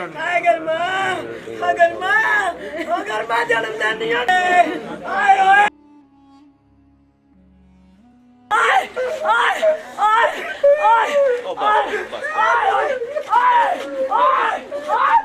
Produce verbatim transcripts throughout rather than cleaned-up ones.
अगर मां अगर मां अगर मां जन्म देनी है आए ओए आए आए आए आए ओ बस बस आए आए आए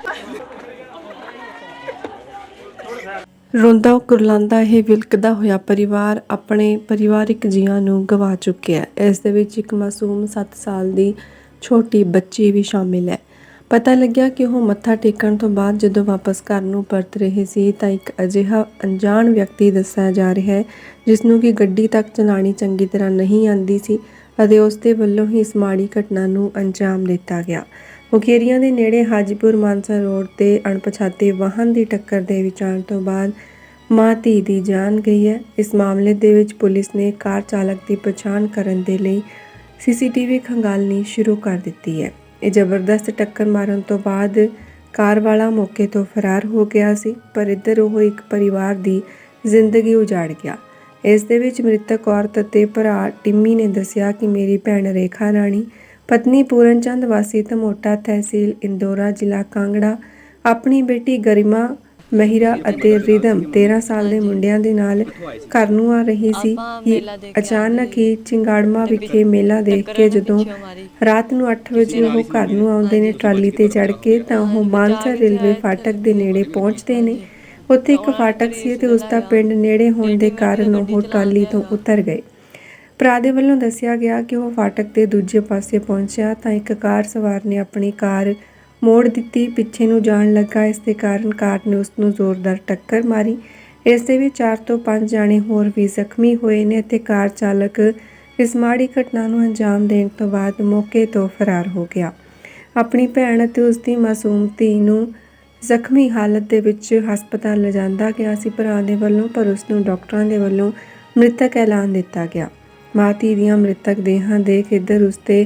ਰੋਂਦਾ ਕੁਰਲਾਉਂਦਾ ਇਹ ਵਿਲਕਦਾ ਹੋਇਆ ਪਰਿਵਾਰ ਆਪਣੇ ਪਰਿਵਾਰਿਕ ਜੀਆਂ ਨੂੰ ਗਵਾ ਚੁੱਕਿਆ ਹੈ। ਇਸ ਦੇ ਵਿੱਚ ਇੱਕ ਮਾਸੂਮ ਸੱਤ ਸਾਲ ਦੀ ਛੋਟੀ ਬੱਚੀ ਵੀ ਸ਼ਾਮਿਲ ਹੈ। ਪਤਾ ਲੱਗਿਆ ਕਿ ਉਹ ਮੱਥਾ ਟੇਕਣ ਤੋਂ ਬਾਅਦ ਜਦੋਂ ਵਾਪਸ ਘਰ ਨੂੰ ਪਰਤ ਰਹੇ ਸੀ ਤਾਂ ਇੱਕ ਅਜਿਹਾ ਅਣਜਾਣ ਵਿਅਕਤੀ ਦੱਸਿਆ ਜਾ ਰਿਹਾ ਹੈ ਜਿਸ ਨੂੰ ਕਿ ਗੱਡੀ ਤੱਕ ਚਲਾਉਣੀ ਚੰਗੀ ਤਰ੍ਹਾਂ ਨਹੀਂ ਆਉਂਦੀ ਸੀ ਅਤੇ ਉਸ ਦੇ ਵੱਲੋਂ ਹੀ ਇਸ ਮਾੜੀ ਘਟਨਾ ਨੂੰ ਅੰਜਾਮ ਦਿੱਤਾ ਗਿਆ। ਮੁਕੇਰੀਆਂ ਦੇ ਨੇੜੇ ਹਾਜੀਪੁਰ ਮਾਨਸਾ ਰੋਡ ਤੇ ਅਣਪਛਾਤੇ ਵਾਹਨ ਦੀ ਟੱਕਰ ਦੇ ਵਿੱਚ ਆਉਣ ਤੋਂ ਬਾਅਦ ਮਾਂ ਧੀ ਦੀ ਜਾਨ ਗਈ ਹੈ। ਇਸ ਮਾਮਲੇ ਦੇ ਵਿੱਚ ਪੁਲਿਸ ਨੇ ਕਾਰ ਚਾਲਕ ਦੀ ਪਛਾਣ ਕਰਨ ਦੇ ਲਈ ਸੀਸੀਟੀਵੀ ਖੰਗਾਲਣੀ ਸ਼ੁਰੂ ਕਰ ਦਿੱਤੀ ਹੈ। ਇਹ ਜ਼ਬਰਦਸਤ ਟੱਕਰ ਮਾਰਨ ਤੋਂ ਬਾਅਦ ਕਾਰ ਵਾਲਾ ਮੌਕੇ ਤੋਂ ਫਰਾਰ ਹੋ ਗਿਆ ਸੀ, ਪਰ ਇੱਧਰ ਉਹ ਇੱਕ ਪਰਿਵਾਰ ਦੀ ਜ਼ਿੰਦਗੀ ਉਜਾੜ ਗਿਆ। ਇਸ ਦੇ ਵਿੱਚ ਮ੍ਰਿਤਕ ਔਰਤ ਅਤੇ ਭਰਾ ਟਿੰਮੀ ਨੇ ਦੱਸਿਆ ਕਿ ਮੇਰੀ ਭੈਣ ਰੇਖਾ ਰਾਣੀ ਪਤਨੀ ਪੂਰਨ ਚੰਦ ਵਾਸੀ ਧਮੋਟਾ ਤਹਿਸੀਲ ਇੰਦੋਰਾ ਜ਼ਿਲ੍ਹਾ ਕਾਂਗੜਾ ਆਪਣੀ ਬੇਟੀ ਗਰਿਮਾ ਮਹਿਰਾ ਅਤੇ ਰਿਦਮ ਤੇਰਾਂ ਸਾਲ ਦੇ ਮੁੰਡਿਆਂ ਦੇ ਨਾਲ ਘਰ ਨੂੰ ਆ ਰਹੀ ਸੀ ਕਿ ਅਚਾਨਕ ਹੀ ਚਿੰਗਾੜਮਾ ਵਿਖੇ ਮੇਲਾ ਦੇਖ ਕੇ ਜਦੋਂ ਰਾਤ ਨੂੰ ਅੱਠ ਵਜੇ ਉਹ ਘਰ ਨੂੰ ਆਉਂਦੇ ਨੇ ਟਰਾਲੀ ਤੇ ਚੜ੍ਹ ਕੇ ਤਾਂ ਉਹ ਮਾਨਸਾ ਰੇਲਵੇ ਫਾਟਕ ਦੇ ਨੇੜੇ ਪਹੁੰਚਦੇ ਨੇ। ਉੱਥੇ ਇੱਕ ਫਾਟਕ ਸੀ ਤੇ ਉਸ ਦਾ ਪਿੰਡ ਨੇੜੇ ਹੋਣ ਦੇ ਕਾਰਨ ਉਹ ਟਰਾਲੀ ਤੋਂ ਉਤਰ ਗਏ। ਭਰਾ ਦੇ ਵੱਲੋਂ ਦੱਸਿਆ ਗਿਆ ਕਿ ਉਹ ਫਾਟਕ ਦੇ ਦੂਜੇ ਪਾਸੇ ਪਹੁੰਚਿਆ ਤਾਂ ਇੱਕ ਕਾਰ ਸਵਾਰ ਨੇ ਆਪਣੀ ਕਾਰ ਮੋੜ ਦਿੱਤੀ, ਪਿੱਛੇ ਨੂੰ ਜਾਣ ਲੱਗਾ। ਇਸ ਦੇ ਕਾਰਨ ਕਾਰ ਨੇ ਉਸ ਨੂੰ ਜ਼ੋਰਦਾਰ ਟੱਕਰ ਮਾਰੀ। ਇਸ ਦੇ ਵਿੱਚ ਚਾਰ ਤੋਂ ਪੰਜ ਜਾਣੇ ਹੋਰ ਵੀ ਜ਼ਖਮੀ ਹੋਏ ਨੇ ਅਤੇ ਕਾਰ ਚਾਲਕ ਇਸ ਮਾੜੀ ਘਟਨਾ ਨੂੰ ਅੰਜਾਮ ਦੇਣ ਤੋਂ ਬਾਅਦ ਮੌਕੇ ਤੋਂ ਫਰਾਰ ਹੋ ਗਿਆ। ਆਪਣੀ ਭੈਣ ਅਤੇ ਉਸ ਦੀ ਮਾਸੂਮ ਧੀ ਨੂੰ ਜ਼ਖਮੀ ਹਾਲਤ ਦੇ ਵਿੱਚ ਹਸਪਤਾਲ ਲਿਜਾਂਦਾ ਗਿਆ ਸੀ ਭਰਾ ਦੇ ਵੱਲੋਂ, ਪਰ ਉਸ ਨੂੰ ਡਾਕਟਰਾਂ ਦੇ ਵੱਲੋਂ ਮ੍ਰਿਤਕ ਐਲਾਨ ਦਿੱਤਾ ਗਿਆ। ਮਾਂ ਧੀ ਦੀਆਂ ਮ੍ਰਿਤਕ ਦੇਹਾਂ ਦੇਖ ਇੱਧਰ ਉਸਦੇ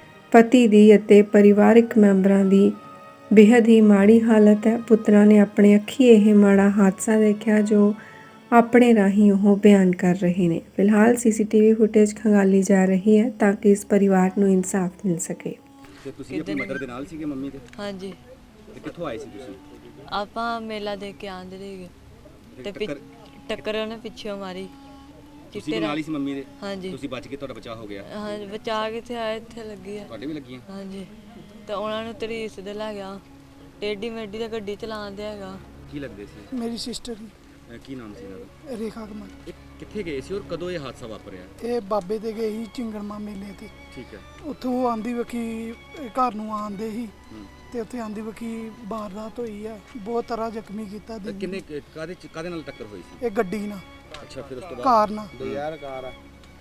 ਪਤੀ ਦੀ ਅਤੇ ਪਰਿਵਾਰਕ ਮੈਂਬਰਾਂ ਦੀ ਬੇਹੱਦ ਹੀ ਮਾੜੀ ਹਾਲਤ ਹੈ। ਪੁੱਤਰਾਂ ਨੇ ਆਪਣੇ ਅੱਖੀਂ ਇਹ ਮਾੜਾ ਹਾਦਸਾ ਦੇਖਿਆ ਜੋ ਆਪਣੇ ਰਾਹੀਂ ਉਹ ਬਿਆਨ ਕਰ ਰਹੇ ਨੇ। ਫਿਲਹਾਲ ਸੀਸੀਟੀਵੀ ਫੁਟੇਜ ਖੰਗਾਲੀ ਜਾ ਰਹੀ ਹੈ ਤਾਂ ਕਿ ਇਸ ਪਰਿਵਾਰ ਨੂੰ ਇਨਸਾਫ ਮਿਲ ਸਕੇ। ਤੇ ਤੁਸੀਂ ਆਪਣੀ ਮਦਰ ਦੇ ਨਾਲ ਸੀਗੇ ਮੰਮੀ ਦੇ? ਹਾਂਜੀ। ਤੇ ਕਿੱਥੋਂ ਆਏ ਸੀ ਤੁਸੀਂ? ਆਪਾਂ ਮੇਲਾ ਦੇਖ ਕੇ ਆਂਦੇ ਰਹੇ ਤੇ ਪਿ- ਟੱਕਰ ਉਹਨੇ ਪਿੱਛੋਂ ਮਾਰੀ। ਤੁਸੀਂ ਵੀ ਨਾਲ ਹੀ ਸੀ ਮੰਮੀ ਦੇ? ਹਾਂਜੀ। ਤੁਸੀਂ ਬਚ ਕੇ, ਤੁਹਾਡਾ ਬਚਾਅ ਹੋ ਗਿਆ? ਹਾਂਜੀ, ਬਚਾ ਕਿੱਥੇ ਆਏ, ਇੱਥੇ ਲੱਗੀ ਆ। ਤੁਹਾਡੇ ਵੀ ਲੱਗੀਆਂ? ਹਾਂਜੀ। ਤੇ ਉਹਨਾਂ ਨੂੰ ਤਰੀਸ ਦੇ ਲੈ ਗਿਆ, ਟੇਢੀ ਮੇਢੀ ਤੇ ਗੱਡੀ ਚਲਾਉਂਦੇ ਹੈਗਾ। ਕੀ ਲੱਗਦੇ ਸੀ? ਮੇਰੀ ਸਿਸਟਰ ਅਹ ਕੀ ਨਾਮ ਸੀ ਇਹਨਾਂ ਦਾ? ਰੇਖਾ ਕੁਮਾਰ। ਇਹ ਕਿੱਥੇ ਗਏ ਸੀ ਔਰ ਕਦੋਂ ਇਹ ਹਾਦਸਾ ਵਾਪਰਿਆ? ਇਹ ਬਾਬੇ ਦੇ ਗਏ ਸੀ ਚਿੰਗੜਮਾ ਮੇਲੇ ਤੇ। ਠੀਕ ਹੈ। ਉੱਥੋਂ ਆਂਦੀ ਵਕੀ ਘਰ ਨੂੰ ਆਂਦੇ ਸੀ ਹੂੰ। ਤੇ ਉੱਥੇ ਆਂਦੀ ਵਕੀ ਵਾਰਦਾਤ ਹੋਈ ਆ, ਬਹੁਤ ਤਰ੍ਹਾਂ ਜ਼ਖਮੀ ਕੀਤਾ ਤਾਂ ਦੀਦੀ ਕਿੰਨੇ ਨੂੰ। ਕਾਦੇ ਕਾਦੇ ਨਾਲ ਟੱਕਰ ਹੋਈ ਸੀ? ਇਹ ਗੱਡੀ ਨਾਲ, ਅੱਛਾ, ਫਿਰ ਉਸ ਤੋਂ ਬਾਅਦ? ਕਾਰ ਨਾਲ। ਦੋ ਯਾਰ ਕਾਰ ਆ।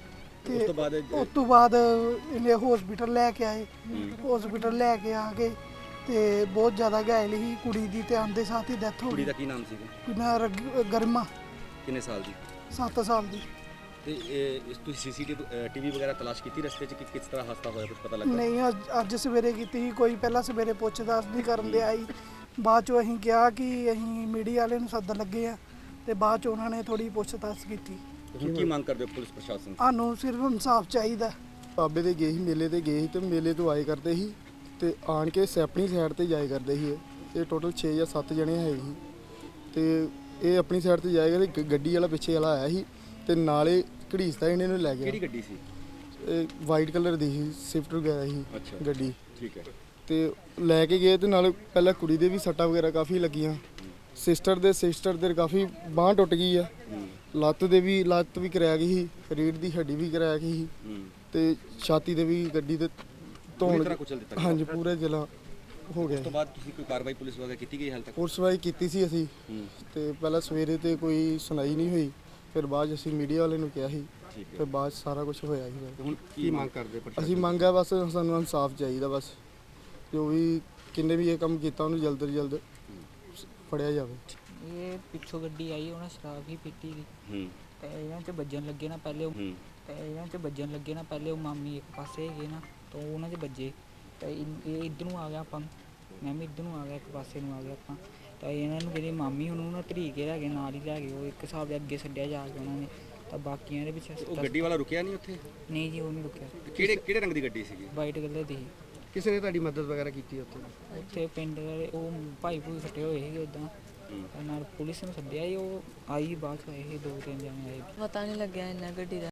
ਤੇ ਉਸ ਤੋਂ ਬਾਅਦ ਉਸ ਤੋਂ ਬਾਅਦ ਇਹਨੇ ਹਸਪੀਟਲ ਲੈ ਕੇ ਆਏ। ਹੂੰ। ਹਸਪੀਟਲ ਲੈ ਕੇ ਆ ਕੇ ਤੇ ਬਹੁਤ ਜ਼ਿਆਦਾ ਘਾਇਲ ਸੀ ਕੁੜੀ ਦੀ, ਤੇ ਆਂਦੇ ਸਾਥ ਹੀ ਡੈਥ ਹੋ ਕੁੜੀ ਗਈ। ਦਾ ਕੀ ਨਾਮ ਸੀ? ਕੁੜੀ ਗਰਮਾ, ਕਿੰਨੇ ਸਾਲ ਦੀ? ਸੱਤ ਸਾਲ ਦੀ। ਤੇ ਇਹ ਇਸ ਤੁਸੀਂ ਸੀਸੀਟੀਵੀ ਟੀਵੀ ਵਗੈਰਾ ਤਲਾਸ਼ ਕੀਤੀ ਰਸਤੇ 'ਚ ਕਿ ਕਿਸ ਤਰ੍ਹਾਂ ਹਾਦਸਾ ਹੋਇਆ, ਕੁਝ ਪਤਾ ਲੱਗਾ? ਨਹੀਂ, ਅੱਜ ਅੱਜ ਸਵੇਰੇ ਕੀਤੀ ਸੀ ਕੋਈ, ਪਹਿਲਾਂ ਸਵੇਰੇ ਪੁੱਛ-ਦੱਸ ਨਹੀਂ ਕਰਨ ਦੇ ਆਈ। ਬਾਅਦ ਚੋਂ ਅਸੀਂ ਕਿਹਾ ਕਿ ਅਸੀਂ ਮੀਡੀਆ ਵਾਲੇ ਨੂੰ ਸੱਦਣ ਲੱਗੇ ਆ ਤੇ ਬਾਅਦ ਚ ਉਹਨਾਂ ਨੇ ਥੋੜੀ ਪੁੱਛ-ਦੱਸ ਕੀਤੀ। ਹੁਣ ਕੀ ਮੰਗ ਕਰਦੇ ਹੋ ਪੁਲਿਸ ਪ੍ਰਸ਼ਾਸਨ? ਸਾਨੂੰ ਸਿਰਫ ਇਨਸਾਫ ਚਾਹੀਦਾ। ਬਾਬੇ ਦੇ ਗਏ ਸੀ, ਮੇਲੇ ਤੇ ਗਏ ਸੀ ਤੇ ਮੇਲੇ ਤੋਂ ਆਏ ਕਰਦੇ ਸੀ ਤੇ ਆਣ ਕੇ ਆਪਣੀ ਸਾਈਡ ਤੇ ਜਾਏ ਕਰਦੇ ਸੀ। ਇਹ ਇਹ ਟੋਟਲ ਛੇ ਜਾਂ ਸੱਤ ਜਣੇ ਹੈ ਸੀ ਤੇ ਇਹ ਆਪਣੀ ਸਾਈਡ ਤੇ ਜਾਏ ਕਰਦੇ। ਗੱਡੀ ਵਾਲਾ ਪਿੱਛੇ ਵਾਲਾ ਆਇਆ ਸੀ ਤੇ ਨਾਲੇ ਘੜੀਸਦਾ ਇਹਨੇ ਨੂੰ ਲੈ ਗਿਆ। ਕਿਹੜੀ ਗੱਡੀ ਸੀ? ਇਹ ਵਾਈਟ ਕਲਰ ਦੀ ਸੀ, ਸਵਿਫਟ ਵਗੈਰਾ ਸੀ ਅੱਛਾ। ਗੱਡੀ। ਠੀਕ ਹੈ। ਤੇ ਲੈ ਕੇ ਗਏ ਤੇ ਨਾਲ ਪਹਿਲਾਂ ਕੁੜੀ ਦੇ ਵੀ ਸੱਟਾਂ ਵਗੈਰਾ ਕਾਫੀ ਲੱਗੀਆਂ। ਸਿਸਟਰ ਦੇ ਸਿਸਟਰ ਦੇ ਕਾਫੀ ਬਾਂਹ ਟੁੱਟ ਗਈ ਆ, ਲੱਤ ਦੇ ਵੀ ਲੱਤ ਵੀ ਕਰਾਇਆ ਗਈ ਸੀ, ਰੀੜ੍ਹ ਦੀ ਹੱਡੀ ਵੀ ਕਰਾਇਆ ਗਈ ਸੀ ਤੇ ਛਾਤੀ ਦੇ ਵੀ ਗੱਡੀ ਦੇ ਧੌਣ। ਹਾਂਜੀ, ਪੂਰੇ ਜ਼ਿਲ੍ਹਾ ਹੋ ਗਿਆ। ਉਸ ਤੋਂ ਬਾਅਦ ਤੁਸੀਂ ਕੋਈ ਕਾਰਵਾਈ ਪੁਲਿਸ ਵਗੈਰਾ ਕੀਤੀ ਗਈ ਹਾਲ ਤੱਕ? ਪੁਲਿਸ ਵਾਈ ਕੀਤੀ ਸੀ ਅਸੀਂ ਤੇ ਪਹਿਲਾਂ ਸਵੇਰੇ ਤੇ ਕੋਈ ਸੁਣਾਈ ਨਹੀਂ ਹੋਈ, ਫਿਰ ਬਾਅਦ 'ਚ ਅਸੀਂ ਮੀਡੀਆ ਵਾਲੇ ਨੂੰ ਕਿਹਾ ਸੀ ਤੇ ਬਾਅਦ 'ਚ ਸਾਰਾ ਕੁਝ ਹੋਇਆ ਸੀ। ਹੁਣ ਕੀ ਮੰਗ ਕਰਦੇ ਪ੍ਰਸ਼ਾਸਨ? ਅਸੀਂ ਮੰਗਿਆ ਬਸ ਸਾਨੂੰ ਇਨਸਾਫ ਚਾਹੀਦਾ, ਬਸ ਜੋ ਵੀ ਕਿੰਨੇ ਵੀ ਇਹ ਕੰਮ ਕੀਤਾ ਉਹਨੂੰ ਜਲਦ ਤੋਂ ਜਲਦ ਫੜਿਆ ਜਾਵੇ। ਇਹ ਪਿੱਛੋਂ ਗੱਡੀ ਆਈ, ਉਹਨਾਂ ਸ਼ਰਾਬ ਹੀ ਪੀਤੀ ਸੀ ਹੂੰ। ਤੇ ਇਹਨਾਂ 'ਚ ਵੱਜਣ ਲੱਗੇ ਨਾ ਪਹਿਲੇ ਉਹ ਹੂੰ। ਤੇ ਇਹਨਾਂ 'ਚ ਵੱਜਣ ਲੱਗੇ ਨਾ ਪਹਿਲੇ ਉਹ ਮਾਮੀ ਇੱਕ ਪਾਸੇ ਹੈਗੇ ਨਾ, ਤਾਂ ਉਹਨਾਂ 'ਚ ਵੱਜੇ ਤੇ ਇਨ- ਇਹ ਇੱਧਰ ਨੂੰ ਆ ਗਿਆ, ਆਪਾਂ ਮੈਂ ਵੀ ਇੱਧਰ ਨੂੰ ਆ ਗਿਆ, ਇੱਕ ਪਾਸੇ ਨੂੰ ਆ ਗਿਆ ਆਪਾਂ। ਤਾਂ ਇਹਨਾਂ ਨੂੰ ਜਿਹੜੀ ਮਾਮੀ ਉਹਨੂੰ ਨਾ ਧਰੀ ਕੇ ਲੈ ਗਏ, ਨਾਲ ਹੀ ਲੈ ਗਏ। ਉਹ ਇੱਕ ਹਿਸਾਬ ਦੇ ਅੱਗੇ ਛੱਡਿਆ ਜਾ ਕੇ ਉਹਨਾਂ ਨੇ, ਤਾਂ ਬਾਕੀਆਂ ਦੇ ਪਿੱਛੇ। ਉਹ ਗੱਡੀ ਵਾਲਾ ਰੁਕਿਆ ਨਹੀਂ ਉੱਥੇ? ਨਹੀਂ ਜੀ, ਉਹ ਨਹੀਂ ਰੁਕਿਆ। ਕਿਹੜੇ ਕਿਹੜੇ ਰੰਗ ਦੀ ਗੱਡੀ ਸੀਗੀ? ਵਾਈਟ ਕਲਰ ਦੀ ਸੀ। ਕਿਸੇ ਨੇ ਤੁਹਾਡੀ ਮਦਦ ਵਗੈਰਾ ਕੀਤੀ ਉੱਥੇ? ਉੱਥੇ ਪਿੰਡ ਵਾਲੇ ਉਹ ਭਾਈ ਭੂਈ ਫੱਟੇ ਹੋਏ ਸੀਗੇ ਇੱਦਾਂ, ਨਾਲ ਪੁਲਿਸ ਨੂੰ ਸੱਦਿਆ ਸੀ, ਉਹ ਆਈ ਬਾਅਦ 'ਚ ਆਏ ਸੀ, ਦੋ ਤਿੰਨ ਜਣੇ ਆਏ। ਪਤਾ ਨਹੀਂ ਲੱਗਿਆ ਇੰਨਾ ਗੱਡੀ ਦਾ।